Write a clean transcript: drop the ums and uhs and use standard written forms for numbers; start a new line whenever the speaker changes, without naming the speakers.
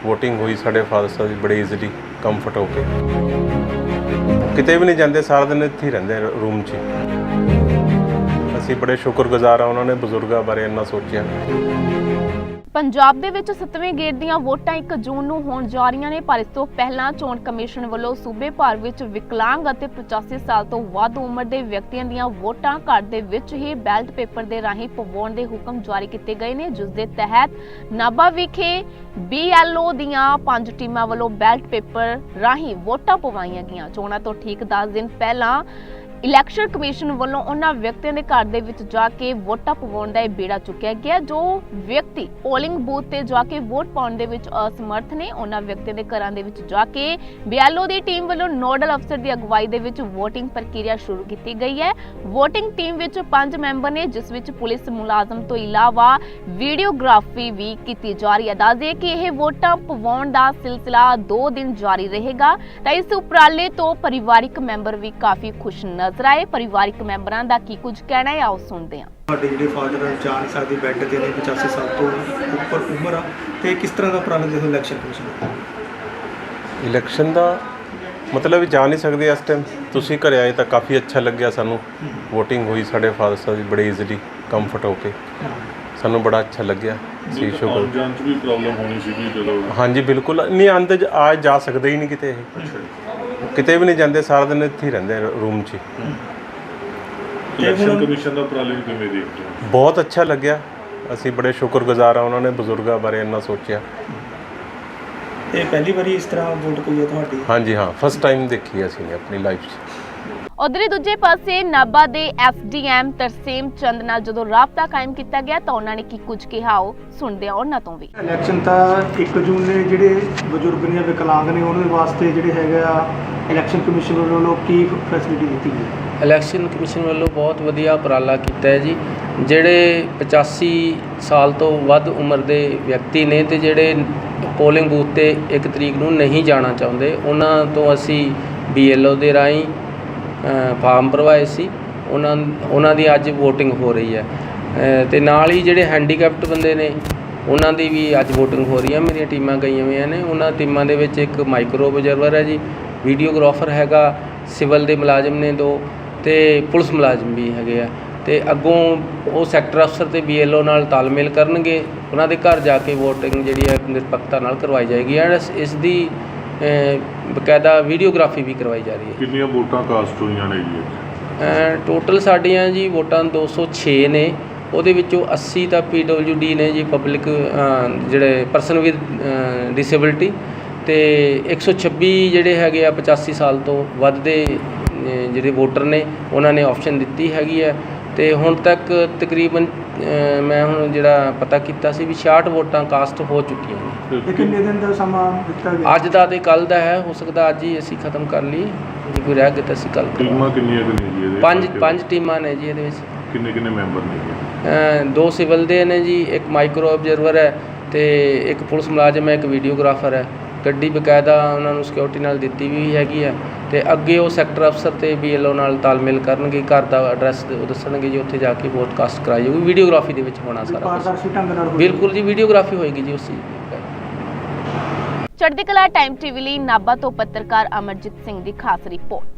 Voting हुई साढ़े father साहब जी बड़े ईजीली कंफर्ट होके किते भी नहीं जाते, सारा दिन इत्थे ही रहिंदे रूम 'ਚ। ਅਸੀਂ बड़े शुक्रगुजार हाँ उन्होंने बजुर्गों बारे इन्ना सोचा।
ਪੰਜਾਬ ਦੇ ਵਿੱਚ 7ਵੇਂ ਗੇੜ ਦੀਆਂ ਵੋਟਾਂ 1 ਜੂਨ ਨੂੰ ਹੋਣ ਜਾ ਰਹੀਆਂ ਨੇ, ਪਰ ਇਸ ਤੋਂ ਪਹਿਲਾਂ ਚੋਣ ਕਮਿਸ਼ਨ ਵੱਲੋਂ ਸੂਬੇ ਭਰ ਵਿੱਚ ਵਿਕਲਾਂਗ ਅਤੇ 85 ਸਾਲ ਤੋਂ ਵੱਧ ਉਮਰ ਦੇ ਵਿਅਕਤੀਆਂ ਦੀਆਂ ਵੋਟਾਂ ਘਰ ਦੇ ਵਿੱਚ ਹੀ ਬੈਲਟ ਪੇਪਰ ਦੇ ਰਾਹੀਂ ਪਵਾਉਣ ਦੇ ਹੁਕਮ ਜਾਰੀ ਕੀਤੇ ਗਏ ਨੇ, ਜਿਸ ਦੇ ਤਹਿਤ ਨਾਭਾ ਵਿਖੇ BLO ਦੀਆਂ 5 ਟੀਮਾਂ ਵੱਲੋਂ ਬੈਲਟ ਪੇਪਰ ਰਾਹੀਂ ਵੋਟਾਂ ਪਵਾਈਆਂ ਗਈਆਂ। ਚੋਣਾਂ ਤੋਂ ਠੀਕ 10 ਦਿਨ ਪਹਿਲਾਂ ਇਲੈਕਸ਼ਨ ਕਮਿਸ਼ਨ ਵੱਲੋਂ ਉਹਨਾਂ ਵਿਅਕਤੀਆਂ ਦੇ ਘਰ ਦੇ ਵਿੱਚ ਜਾ ਕੇ ਵੋਟਾਂ ਪਵਾਉਣ ਦਾ ਬੇੜਾ ਚੁੱਕਿਆ ਗਿਆ ਜੋ ਵਿਅਕਤੀ ਪੋਲਿੰਗ ਬੂਥ ਤੇ ਜਾ ਕੇ ਵੋਟ ਪਾਉਣ ਦੇ ਵਿੱਚ ਅਸਮਰਥ ਨੇ। ਉਹਨਾਂ ਵਿਅਕਤੀਆਂ ਦੇ ਘਰਾਂ ਦੇ ਵਿੱਚ ਜਾ ਕੇ BLO ਦੀ ਟੀਮ ਵੱਲੋਂ ਨੋਡਲ ਅਫਸਰ ਦੀ ਅਗਵਾਈ ਦੇ ਵਿੱਚ VOTING ਪ੍ਰਕਿਰਿਆ ਸ਼ੁਰੂ ਕੀਤੀ ਗਈ ਹੈ। VOTING ਟੀਮ ਵਿੱਚ 5 ਮੈਂਬਰ ਨੇ, ਜਿਸ ਵਿੱਚ ਪੁਲਿਸ ਮੁਲਾਜ਼ਮ ਤੋਂ ਇਲਾਵਾ ਵੀਡੀਓਗ੍ਰਾਫੀ ਵੀ ਕੀਤੀ ਜਾ ਰਹੀ ਹੈ। ਦੱਸ ਦਈਏ ਕਿ ਇਹ ਵੋਟਾਂ ਪਵਾਉਣ ਦਾ ਸਿਲਸਿਲਾ 2 ਦਿਨ ਜਾਰੀ ਰਹੇਗਾ ਤਾਂ ਇਸ ਉਪਰਾਲੇ ਤੋਂ ਪਰਿਵਾਰਿਕ ਮੈਂਬਰ ਵੀ ਕਾਫੀ ਖੁਸ਼ ਨਜ਼ਰ ਆਏ। ਪਰਿਵਾਰਿਕ ਮੈਂਬਰਾਂ ਦਾ ਕੀ ਕੁਝ ਕਹਿਣਾ ਹੈ, ਆਓ ਸੁਣਦੇ ਹਾਂ।
ਸਾਡੇ ਜਿਹੜੇ ਫਾਦਰ ਜਾ ਨਹੀਂ ਸਕਦੇ, ਬੈੱਡ ਤੇ ਨੇ, 85 ਸਾਲ ਤੋਂ ਉੱਪਰ ਉਮਰ ਆ, ਤੇ ਕਿਸ ਤਰ੍ਹਾਂ ਦਾ ਉਪਰਾਲਾ ਦੇਖੋ ਇਲੈਕਸ਼ਨ ਕਮਿਸ਼ਨ
ਇਲੈਕਸ਼ਨ ਦਾ ਮਤਲਬ ਵੀ ਜਾ ਨਹੀਂ ਸਕਦੇ ਇਸ ਟਾਈਮ। ਤੁਸੀਂ ਘਰੇ ਆਏ ਤਾਂ ਕਾਫੀ ਅੱਛਾ ਲੱਗਿਆ ਸਾਨੂੰ। VOTING ਹੋਈ ਸਾਡੇ ਫਾਦਰ ਸਾਹਿਬ ਜੀ ਬੜੇ ਈਜ਼ੀਲੀ ਕੰਫਰਟ ਹੋ ਕੇ, ਸਾਨੂੰ ਬੜਾ ਅੱਛਾ ਲੱਗਿਆ। ਸੀ ਸ਼ੁਕਰ
ਜਾਣ 'ਚ ਵੀ ਪ੍ਰੋਬਲਮ ਹੋਣੀ ਸੀਗੀ ਜਦੋਂ?
ਹਾਂਜੀ ਬਿਲਕੁਲ ਨਹੀਂ, ਆਉਂਦੇ ਆ ਜਾ ਸਕਦੇ ਹੀ ਨਹੀਂ ਕਿਤੇ, ਇਹ ਕਿਤੇ ਵੀ ਨਹੀਂ ਜਾਂਦੇ, ਸਾਰਾ ਦਿਨ ਇੱਥੇ ਹੀ ਰਹਿੰਦੇ ਰੂਮ 'ਚ।
ਇਲੈਕਸ਼ਨ ਕਮਿਸ਼ਨ ਦਾ ਉਪਰਾਲੇ ਨੂੰ ਕਿਵੇਂ ਦੇਖਦੇ ਹੋ?
ਬਹੁਤ ਅੱਛਾ ਲੱਗਿਆ, ਅਸੀਂ ਬੜੇ ਸ਼ੁਕਰਗੁਜ਼ਾਰ ਹਾਂ ਉਹਨਾਂ ਨੇ ਬਜ਼ੁਰਗਾਂ ਬਾਰੇ ਇੰਨਾ ਸੋਚਿਆ।
ਤੇ ਪਹਿਲੀ ਵਾਰੀ ਇਸ ਤਰ੍ਹਾਂ ਵੋਟ ਪਈ ਹੈ ਤੁਹਾਡੀ?
ਹਾਂਜੀ ਹਾਂ, ਫਸਟ ਟਾਈਮ ਦੇਖੀ ਅਸੀਂ ਆਪਣੀ ਲਾਈਫ 'ਚ।
ਉਧਰ ਦੂਜੇ ਪਾਸੇ ਨਾਭਾ ਦੇ SDM ਤਰਸੇਮ ਚੰਦ ਨਾਲ ਜਦੋਂ ਰਾਬਤਾ ਕਾਇਮ ਕੀਤਾ ਗਿਆ ਤਾਂ ਉਹਨਾਂ ਨੇ ਕੀ ਕੁਝ ਕਿਹਾ, ਉਹ ਸੁਣਦੇ ਆ ਉਹਨਾਂ ਤੋਂ ਵੀ।
ਇਲੈਕਸ਼ਨ ਤਾਂ 1 ਜੂਨ ਨੇ ਜਿਹੜੇ ਬਜ਼ੁਰਗ ਨੇ, ਵਿਕਲਾਂਗ ਨੇ, ਉਹਨਾਂ ਦੇ ਵਾਸਤੇ ਜਿਹੜੇ ਹੈਗਾ ਇਲੈਕਸ਼ਨ ਕਮਿਸ਼ਨ ਵੱਲੋਂ ਕੀ ਫੈਸਿਲਿਟੀ ਦਿੱਤੀ ਗਈ?
ਇਲੈਕਸ਼ਨ ਕਮਿਸ਼ਨ ਵੱਲੋਂ ਬਹੁਤ ਵਧੀਆ ਉਪਰਾਲਾ ਕੀਤਾ ਹੈ ਜੀ। ਜਿਹੜੇ 85 ਸਾਲ ਤੋਂ ਵੱਧ ਉਮਰ ਦੇ ਵਿਅਕਤੀ ਨੇ ਤੇ ਜਿਹੜੇ ਪੋਲਿੰਗ ਬੂਥ ਤੇ 1 ਤਰੀਕ ਨੂੰ ਨਹੀਂ ਜਾਣਾ ਚਾਹੁੰਦੇ, ਉਹਨਾਂ ਤੋਂ ਅਸੀਂ BLO ਦੇ ਰਾਹੀਂ ਫਾਰਮ ਭਰਵਾਏ ਸੀ। ਉਹਨਾਂ ਦੀ ਅੱਜ VOTING ਹੋ ਰਹੀ ਹੈ ਤੇ ਨਾਲ ਹੀ ਜਿਹੜੇ ਹੈਂਡੀਕੈਪਟ ਬੰਦੇ ਨੇ ਉਹਨਾਂ ਦੀ ਵੀ ਅੱਜ VOTING ਹੋ ਰਹੀ ਹੈ। ਮੇਰੀਆਂ ਟੀਮਾਂ ਗਈਆਂ ਹੋਈਆਂ ਨੇ, ਉਹਨਾਂ ਟੀਮਾਂ ਦੇ ਵਿੱਚ ਇੱਕ ਮਾਈਕਰੋ ਆਬਜ਼ਰਵਰ ਹੈ ਜੀ, ਵੀਡੀਓਗ੍ਰਾਫਰ ਹੈਗਾ, ਸਿਵਲ ਦੇ ਮੁਲਾਜ਼ਮ ਨੇ 2 ਤੇ ਪੁਲਿਸ ਮੁਲਾਜ਼ਮ ਵੀ ਹੈਗੇ ਆ। ਤੇ ਅੱਗੋਂ ਉਹ ਸੈਕਟਰ ਅਫਸਰ ਤੇ BLO ਨਾਲ ਤਾਲਮੇਲ ਕਰਨਗੇ, ਉਹਨਾਂ ਦੇ ਘਰ ਜਾ ਕੇ VOTING ਜਿਹੜੀ ਹੈ ਨਿਰਪੱਖਤਾ ਨਾਲ ਕਰਵਾਈ ਜਾਏਗੀ ਐਂਡ ਇਸ ਦੀ ਬਕਾਇਦਾ ਵੀਡੀਓਗ੍ਰਾਫੀ ਵੀ ਕਰਵਾਈ ਜਾ ਰਹੀ ਹੈ।
ਕਿੰਨੀਆਂ ਵੋਟਾਂ ਕਾਸਟ ਹੋਈਆਂ ਨੇ ਜੀ?
ਟੋਟਲ ਸਾਡੀਆਂ ਜੀ ਵੋਟਾਂ 206 ਨੇ, ਉਹਦੇ ਵਿੱਚੋਂ 80 ਤਾਂ PWD ਨੇ ਜੀ, ਪਬਲਿਕ ਜਿਹੜੇ ਪਰਸਨ ਵਿਦ ਡਿਸੇਬਿਲਟੀ, ਤੇ 126 ਜਿਹੜੇ ਹੈਗੇ ਆ 85 ਸਾਲ ਤੋਂ ਵੱਧ ਦੇ ਜਿਹੜੇ ਵੋਟਰ ਨੇ, ਉਹਨਾਂ ਨੇ ਆਪਸ਼ਨ ਦਿੱਤੀ ਹੈਗੀ ਹੈ। ਤੇ ਹੁਣ ਤੱਕ ਤਕਰੀਬਨ ਮੈਂ ਹੁਣ ਜਿਹੜਾ ਪਤਾ ਕੀਤਾ ਸੀ ਵੀ 66 ਵੋਟਾਂ ਕਾਸਟ ਹੋ ਚੁੱਕੀਆਂ ਨੇ।
ਇਹ ਕਿੰਨੇ ਦਿਨ ਦਾ ਸਮਾਂ ਦਿੱਤਾ ਗਿਆ?
ਅੱਜ ਦਾ ਤੇ ਕੱਲ ਦਾ ਹੈ, ਹੋ ਸਕਦਾ ਅੱਜ ਹੀ ਅਸੀਂ ਖਤਮ ਕਰ ਲਈਏ, ਜੇ ਕੋਈ ਰਹਿ ਗਿਆ ਤਾਂ ਅਸੀਂ ਕੱਲ।
ਟੀਮਾਂ ਕਿੰਨੀਆਂ ਨੇ ਜੀ ਇਹਦੇ?
5 ਟੀਮਾਂ ਨੇ ਜੀ ਇਹਦੇ ਵਿੱਚ।
ਕਿੰਨੇ ਮੈਂਬਰ ਨੇ?
2 ਸਿਵਲ ਦੇ ਨੇ ਜੀ, ਇੱਕ ਮਾਈਕਰੋ ਆਬਜ਼ਰਵਰ ਹੈ ਤੇ ਇੱਕ ਪੁਲਿਸ ਮੁਲਾਜ਼ਮ ਹੈ, ਇੱਕ ਵੀਡੀਓਗ੍ਰਾਫਰ ਹੈ। ਗੱਡੀ ਬਕਾਇਦਾ ਉਹਨਾਂ ਨੂੰ ਸਿਕਿਉਰਿਟੀ ਨਾਲ ਦਿੱਤੀ ਵੀ ਹੈਗੀ ਹੈ ਤੇ ਅੱਗੇ ਉਹ ਸੈਕਟਰ ਅਫਸਰ ਤੇ BLO ਨਾਲ ਤਾਲਮੇਲ ਕਰਨਗੇ, ਘਰ ਦਾ ਐਡਰੈਸ ਦੱਸਣਗੇ ਜੀ, ਉੱਥੇ ਜਾ ਕੇ ਵੋਟ ਕਾਸਟ ਕਰਾਈ ਜਾਊਗੀ। ਵੀਡੀਓਗ੍ਰਾਫੀ ਦੇ ਵਿੱਚ ਹੋਣਾ ਸਾਰਾ ਕੁਝ। ਬਿਲਕੁਲ ਜੀ, ਵੀਡੀਓਗ੍ਰਾਫੀ ਹੋਏਗੀ ਜੀ ਉਸ ਚੀਜ਼।
ਚੜ੍ਹਦੀ ਕਲਾ ਟਾਈਮ TV ਲਈ ਨਾਭਾ ਤੋਂ ਪੱਤਰਕਾਰ ਅਮਰਜੀਤ ਸਿੰਘ ਦੀ ਖਾਸ ਰਿਪੋਰਟ।